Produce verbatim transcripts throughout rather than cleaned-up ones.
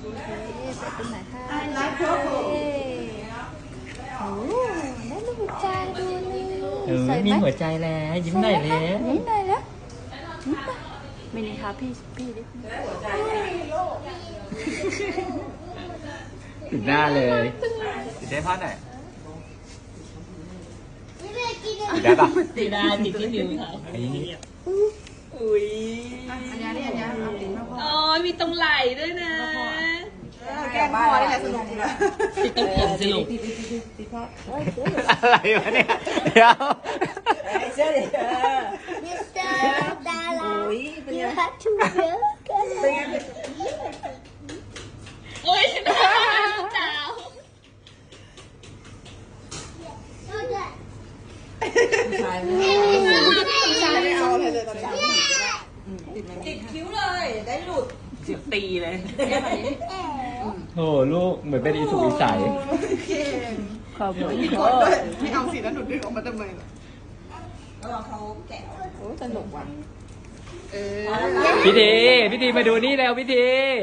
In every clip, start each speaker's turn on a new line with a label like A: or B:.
A: ใส่ตรงไหนคะโอ้ได้รูปหัวใจดูนี่
B: เออ
A: ใส่ไหม
B: มีหัวใจแล้วยิ้มหน่อยเลย
A: ยิ้มหน่อยแล้วยิ้มไปไม่นี่คะพี่พี่ดิ
B: ติดหน้าเลยติดได้พ่อหน่อยติดได้ปะ
C: ติดได้ติดที่นิ้วเขา
B: อันนี้
C: อุ้ย
D: อันนี้อันนี้อันนี้เอาติดมาพ่อ
C: อ๋อมีตรงไหล่ด้วยนะ
D: แกล้งพ่อนี่แหละสนุกดีนะ
C: ติดตรงผมสิลูก
D: ติดติดติดติดพ่อ
B: อะไรวะเนี่ยเดี๋ยว
D: ไอ้เจ้าเด็ก
A: มิสเตอร์ดารา
D: โอ้ยเป็นไง
A: you have to work
D: เป็นไง
C: โอ้ยฉันไม่รู้จ้าว
D: ผู้ชายไม่ผู้ชายไม่เอาเลยเลยตอนนี้ติดคิ้วเลยได้หลุด
C: เสียบตีเลย
B: โหลูกเหมือนเป็นอีสุกอีใส
A: ขอบคุณ
D: กดด้วยไม่เอาสิแล้วหนูดึงออกมาทำไมล่ะแล้วเขาแกะโอ้สนุกว่ะเออ
B: พี่ทีพี่ทีมาดูนี่แล้วพี่ที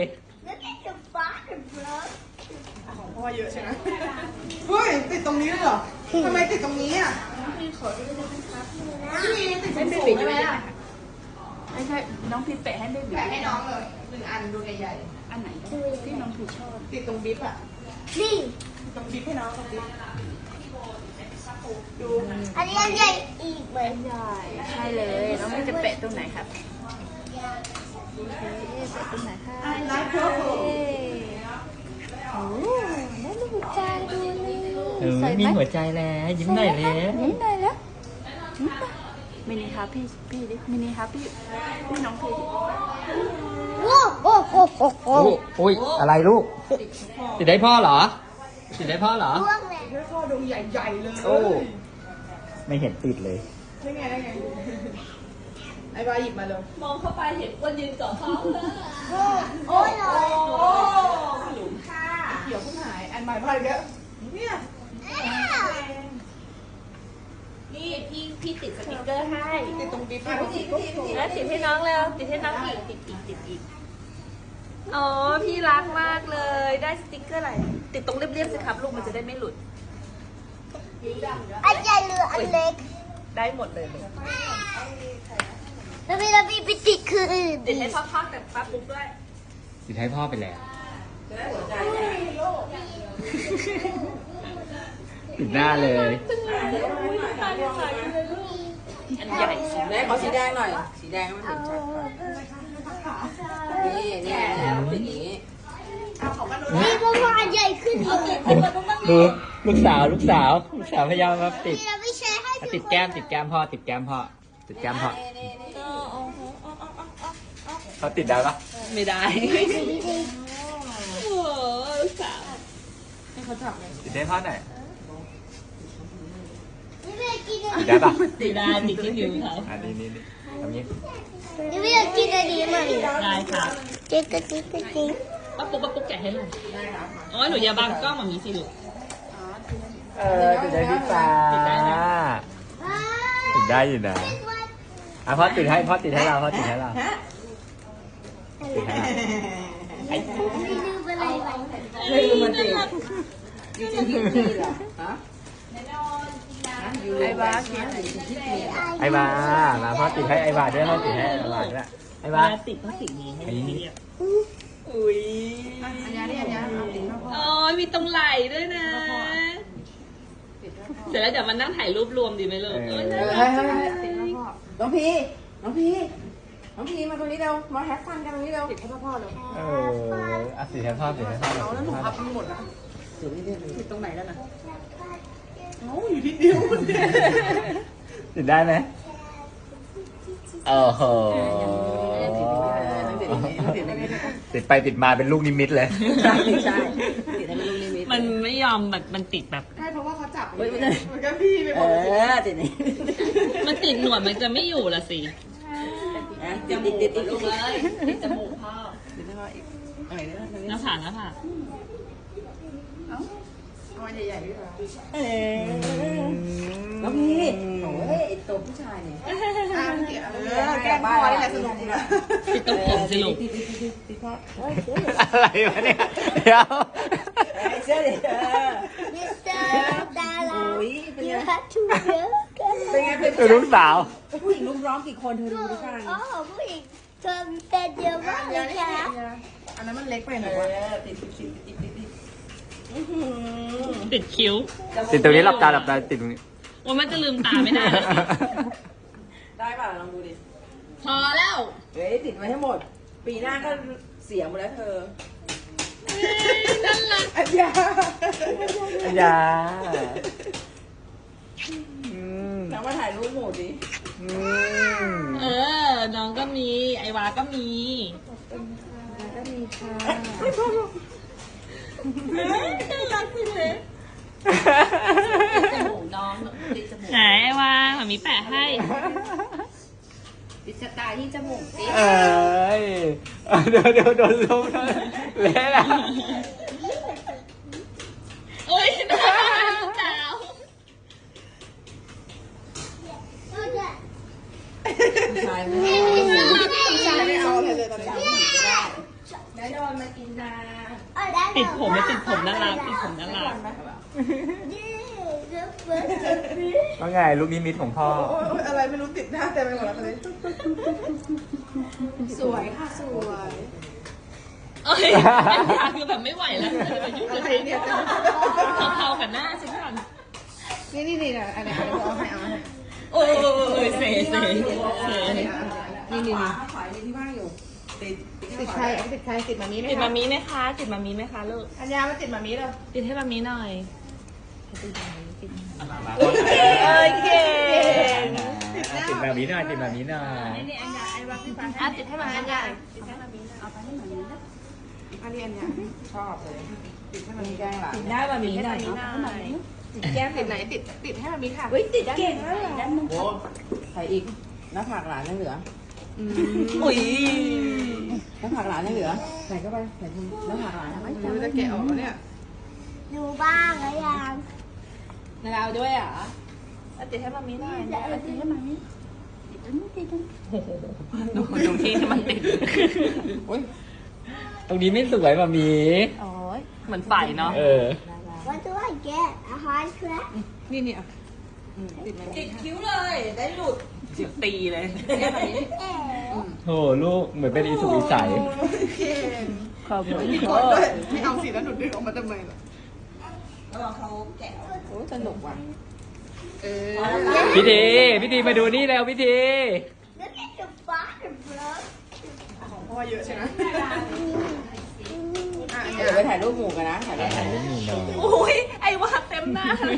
D: ของพ่อเยอะใช่ไหมเฮ้ยติดตรงนี้เลยเหรอทำไมติดตรงนี้อ่ะพี่ขอดูได้ไหมครับพี่ติดสูงใช่ไหมอ่ะ
A: ไม่ใช่น้องพีแปะให้เบบี
D: แปะให้น้องเลยหนึ่งอันดูใหญ่
A: อันไหนที่น้องพีชอบ
D: ๆติดตรงบิ๊บอ่ะ
A: นี่
D: ตรงบิ๊บให้น้องตรงบิ๊บดู
A: อันนี้อันใหญ่อีกเหมือนใหญ่ใช่เลยน้องพีจะแปะตรงไหนครับโอเคแปะตรงไหนคะ
D: ไลฟ์เพิ่ม
A: โอ้ได้รูปหัวใจดูนี่
B: เออ
A: ใส่ไห
B: มี
A: ม
B: หัวใจแล้วยิ้มหน่อยเลย
A: ยิ้มหน่อยแล้วยิ้มไปมินิครับพี่พี่ดิมินิครับพี่พี่น้องพี่ดิโอ้โอ้โอ้โอ้โอ้
B: โอ้โอ้ยอะไรลูกติดได้พ่อเหรอติดได้พ่อเหรอ
D: ให้พ่อดูใหญ่ๆเลย
B: โอ้ไม่เห็นติดเลย
D: ได้ไงได้ไงไอ้บาหยิบมาเลย
C: มองเข้าไปเห็นคนยืนเกาะเขาเลย
A: โอ้ย
D: โอ้หลุมค่ะเขียวขึ้นหายอันใหม่มาอีกแล้วเนี่ย
C: นี่พี่พี่ติดสติกเกอร์ให้
D: ติดตรงบิ๊บอ่ะพี่ติด
C: แล้วติดให้น้องแล้วติดให้น้องอีกติดอีกติดอีกอ๋อพี่รักมากเลยได้สติกเกอร์อะไรติดตรงเรียบๆสิครับลูกมันจะได้ไม่หลุด
A: อันใหญ่หรืออันเล็ก
C: ได้หมดเลยลูก
A: แล้วพี่แล้วพี่ไปติดคืออื่น
C: ติดให้พ่อพักแต่ป้าปุ๊กด้วย
B: ติดให้พ่อไปแล้วติดหน้าเลย
C: อันใหญ่สุด
D: แม่ขอสีแดงหน่อยสีแดงมันถึงชัดนี่นี่แล้วเป็นอย่างนี้
A: นี่เพราะว่าอันใหญ่ขึ้นอีก
B: ดูลูกสาวลูกสาวลูกสาวพยายามมาติด
A: พี่เราไม่ใช่ให้
B: ติดแก้มติดแก้มพ่อติดแก้มพ่อติดแก้มพ่อเขาติดได้ปะ
C: ไม่ได้โอ้ลูกสาว
D: ให้เขาจับเลย
B: ติดได้พ่อหน่อย
A: นี่ไม่กินอัน
B: ติดได้ปะ
C: ติดได้ติดที่นิ้วเขา
B: อันนี้นี่นี่ทำนี้
A: นี่ไม่กินอันนี้มัน
C: ได้ค่ะ
A: เจ๊กระติ๊กกระติ๊ก
C: ป้าปุ๊กป้าปุ๊กแกะให้หน่อยอ๋อหนูอย่าบังกล้องแบบนี้สิลูก
B: เออติดได้พี่ฟ้าติดได้อยู่นะอ่ะพ่อติดให้พ่อติดให้เราพ่อติดให้เราติดให้เรา
A: ไม่ลืมอะไรไว้
D: ไม่รู้มันติดยูจินที่นี่เหรอฮะไอ้บ้าคิดที่นี่
B: ไอ้บามาพ่อติดให้ไอ้บาด้วยพ่อติดให้ไอ้บาด้วยไอ้บา
C: ติดพลาสติกนี้ให้
B: อันนี้
C: เรียบอุ้ย
D: อันนี้อันนี้อันนี้เอาติดมาพ่อ
C: อ๋อมีตรงไหล่ด้วยนะ เสร็จแล้วเดี๋ยวมานั่งถ่ายรูปรวมดีไหมลูกเออ
D: เออให้ให้ให้ติดมาพ่อน้องพีน้องพีน้องพีมาตรงนี้เร็วมาแฮปฟันกันตรงนี้เร็วติดให้พ่อเลย
B: เอออ่ะติดให้พ่อติดให้พ่อ
D: เอาแล้วหนูพับทั้งหมดอ่ะ
C: ติดตรงไหนแล้วนะ
D: โอ้อยู่ที่เดียวมันเนี่ย
B: ติดได้ไหมโอ้โหติดไปติดมาเป็นลูกนิมิตเลย
D: ใช่ใช่ติดให้มันลูกนิมิต
C: มันไม่ยอมแบบมันติดแบบ
D: ใช่เพราะว่าเขาจับมันก็พี่ไปหม
E: เอ
D: ดเลย
E: อติดนี่
C: มันติดหนวดมันจะไม่อยู่ละสิ
E: ติดติดติดติด
C: ลงเลยติดจมูกพ่อ
D: ติดให้พ่ออีกอะไรเนี่ย
C: หน้าผากหน้าผาก
D: เอาอันใหญ่ๆด้วยเหรอ
E: เออแล้วพี่โอ้ยไอ้ตัวผู้ชายเนี่ย
D: อ่ะพี่เก๋เออแกล้งพ่อนี่แหละสนุกดีนะ
C: ติดตรงผมสิลูก
E: ติดติดติดติดพ่อเฮ้ย
B: อะไรวะเนี่ยเดี๋ยว
E: ไอ้เสื้อเด็กเออ
F: Mister
E: โอ้
F: Dara,
E: ยเป็นไง
F: you have to work.
E: เป็นไงเป็น
B: คือลูกสาว
E: ผู้หญิงลุมร้องกี่คนเธอดูดิค่ะ
F: Oh, ผู้หญิงเธอเป็นเยอะมากเลยค่ะ
D: อันนั้นมันเล็กไปห
E: เอ
D: น่อยวะ
E: อติดติดติดติดติดติดอื้อหือ
C: ติดคิ้ว
B: ติดตรงนี้หลับตาหลับตาติดตรงนี้
C: ว่ามันจะลืมตาไม่ได้เลย
E: ได้ป่ะลองดูดิ
C: พอแล้ว
E: เฮ้ยติดไว้ให้หมด ปีหน้าก็เสียหมดแล้วเธอ
C: นั่นแหละ
D: อันยา
B: อย่าอืม
E: แล้วมาถ่ายรูปหมู่ดิ
B: อืม
C: เออ น้องก็มี ไอวาก็มี
E: ก็มีค่ะ
C: น่ารักจริงเลยจมูกน้องติดจมูกไหนไอวาหมามีแปะให้
E: ติดสตาร์ที่จมูกสิ
B: เอ้ยเดี๋ยวเดี๋ยวโดนลมนะเละแล้ว
C: โอ้ยน่ารักจ้าว
E: ผู้ชายไม่
D: ใช่ไม่เอาเลยเลยตอนนี้
E: ได้โดนมากินนา
C: ติดผมไม่ติดผมน่ารักติดผมน่ารัก
B: ว่าไงลูกนิมิตของพ่อ
D: โอ้ยอะไรไม่รู้ติดหน้าเต็มไปหมดแล้วตอนนี้สวยค่ะสวย
C: เอ้ยอันยาคือแบบไม่ไหวแล้วจะไปยุ่ง
D: อะ
C: กับ
D: ไรเนี่ย
C: เทาๆกับหน้าสิก่อน
D: นี่นี่นี่นะอันนี้อันนี้เอาให้เอาให้
C: โอ้ยเสยเสยเสย
D: นี่นี่
E: ขา
D: นี่
E: ขายในที่ว่างอยู่ ติด
D: ติดใครอันนี้ติดใครติดมามีไหม
C: ติด
D: คะ
C: มามีไหมคะ ติดมามีไหมคะลูก
D: อัญญามาติดมามีเลย
C: ติดให้มามีหน่อย
B: เอ้
C: เอ้ยเก่ง
B: ติดแบบนี้หน่อยติดแบบนี้หน่อย
C: อ่ะติดให้มาอันยา
D: อันนี้อัญญาชอบเลยติดให้มามีแกล้งหลาน
E: ติดหน้ามามีหน่อย
D: ติดแก้มติดไหนติดติดให้มามีค่ะ
E: เฮ้ยติดเก่งแล้วเหรอใส่อีกหน้าผากหลานยังเหลือ
C: อุ้ย
E: หน้าผากหลานยังเหลือ ใส่เข้าไปใส่ทีหน้าผากหลานทำไม
D: ไม่รู้จะแกะออกเนี่ย
F: ดูบ้างหรือยัง
C: เราด้วยเหรออ่ะติดให้มามีหน่อย
A: เดี๋ยวเอาติดให้มานี่ติดตรงนี้ติดตรงนี้
C: ดูตรงที่ที่มันติด
B: ตรงนี้ไม่สวยแบบมี
C: โอ้ยเหมือนไฟเนาะ
B: เออ
F: What do I get a hard crab
D: นี่นี่อ่ะติดมา
E: ติดคิ้วเลย ได้หลุด
C: จิบตีเลย
B: โหลูกเหมือนเป็นอีสุกอีใส
D: เก่ง
C: ขอบคุณ
D: มีกดด้วยไม่เอาสิแล้วหนูดึงออกมาทำไมล่ะ
E: ระวังเขาแกะโอ้สนุกว่ะ
D: เออ
B: พี่ทีพี่ทีมาดูนี่แล้วพี่ที
F: Look at the bottom bro
D: ของพ่อเยอะใช่ไหมอ่ะอัญ
E: เดี๋
D: ญา
E: ยวไปถ่ายรูปหมู่กันนะ ถ่ายรูป
B: ถ่ายรูปหมู่หน่อย
C: โอ้ยไอวาเต็มหน้าเลย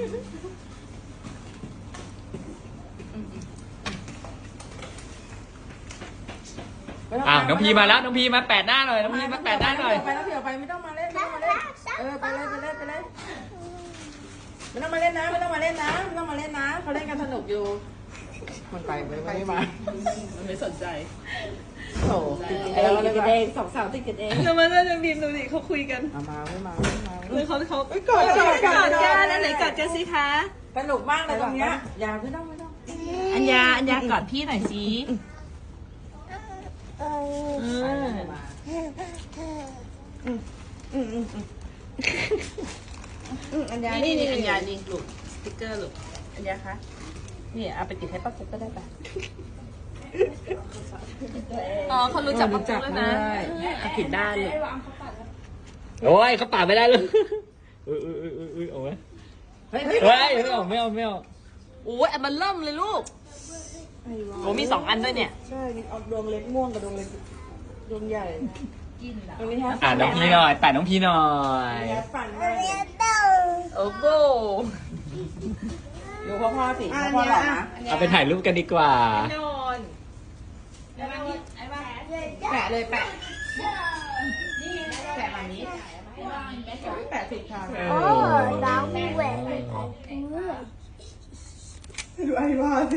B: อ่ะน้องพีมาแล้วน้องพีมาแปดหน้าหน่อยน้องพีมาแปดหน้าหน่อย
E: ไปแล้วเดี๋ยวไปไม่ต้องมาเล่นไม่ต้องมาเล่น เออไปเลยไปเลยไปเลยไม่ต้องมาเล่นนะไม่ต้องมาเล่นนะไม่ต้องมาเล่นนะเขาเล่นกันสนุกอยู่ มันไปไม่ไม่มา
C: มันไม่สนใจ
E: โถติดกันเองสองสาวติดกันเอง
C: แล้วมันก็จะบีมดูดิเขาคุยกัน
E: มามาไม่มาไม่มา
C: เลยเขาเขา
D: กอดกอด
C: กอดกันอันไหนกอดกันสิคะ
E: สนุกมากเลยตรงเนี้ยอย่าไม่ต้องไม่ต้อง
C: อัญญาอัญญากอดพี่หน่อยสิ
F: เออ
C: เออ
D: อัญญา
C: นี่
D: นี่
C: นี่
D: นี่
C: อัญญานี่ลูกสติ๊กเกอร์ลูกอัญญาคะนี่เอาไปติดให้ป้าปุ๊กก็ได้ปะอ๋อเขารู้จักป้าปุ๊กแล้วนะเอาผิดด้านเลย
B: โอ้ยเขาปาดไม่ได้เลยอุ้ยอุ้ยอุ้ยอุ้ยอุ้ยเอาไหม
E: เฮ้ย
B: เฮ้ยไม่เอาไม่เอาไม่เอา
C: โอ้ยอันมันเริ่มเลยลูกโอ้มีสองอันด้วยเนี่ย
D: ใช่นี่เอาดวงเล็กม่วงกับดวงเล็กดวงใหญ่
E: ตรงนี้ฮะ
B: อ่ะน้องพีหน่อยแปดน้องพีหน่อย
E: ปั่นมา
F: เรียนเต้า
C: โอ้โห
E: ดูพ่อพ่อสิพ่อพ่อหล่อนะ
B: เอาไปถ่ายรูปกันดีกว่า
C: นอน
D: แปะเลยแปะแปะแบบนี้แปะผิดทาง
B: เอ
F: โอ้
B: อ
F: ดาวแหวน
D: ดูไอ้ว่าสิ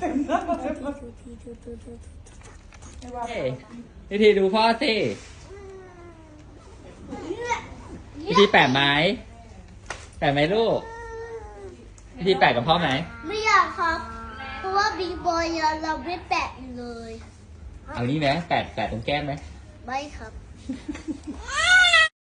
B: เฮ้ยพี่ทีดูพ่อสิพี่ทีแปดไหมแปะไหมลูกพี่แปะกับพ่อไหม
F: ไม่อยากครับ เพราะว่าบิ๊กบอยเราไม่แปะเลย
B: เอางี้ไหมแปะแปะตรงแก้มไหม
F: ไม่ครับ